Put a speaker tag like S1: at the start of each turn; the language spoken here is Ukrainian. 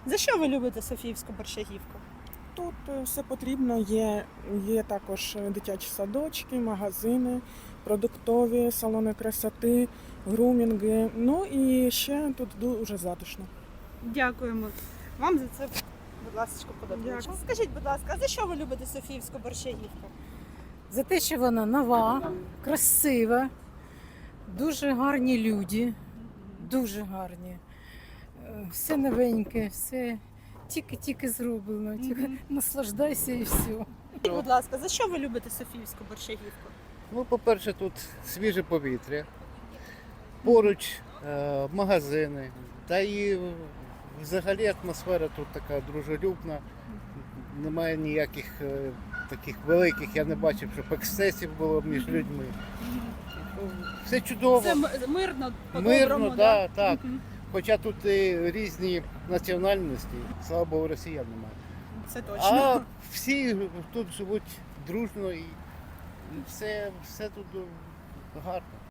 S1: За що ви любите Софіївську Борщагівку?
S2: Тут все потрібно, є також дитячі садочки, магазини, продуктові, салони красоти, грумінги. Ну і ще тут дуже затишно.
S1: Дякуємо вам за це, будь ласка, подобається.
S2: Дякую.
S1: Скажіть, будь ласка, а за що ви любите Софіївську Борщагівку?
S3: За те, що вона нова, красива, дуже гарні люди, дуже гарні. Все новеньке, все тільки зроблено. Тільки наслаждайся і все.
S1: Скажіть, будь ласка, за що ви любите Софіївську Борщагівку?
S4: Ну, по-перше, тут свіже повітря, поруч магазини, та і взагалі атмосфера тут така дружелюбна, немає ніяких таких великих, я не бачив, щоб ексцесів було між людьми. Все чудово,
S1: Це мирно,
S4: мирно,
S1: по-доброму,
S4: да, так.
S1: Мгм.
S4: Хоча тут і різні національності, слава Богу, росіян немає.
S1: Це точно.
S4: А всі тут живуть дружно і все тут гарно.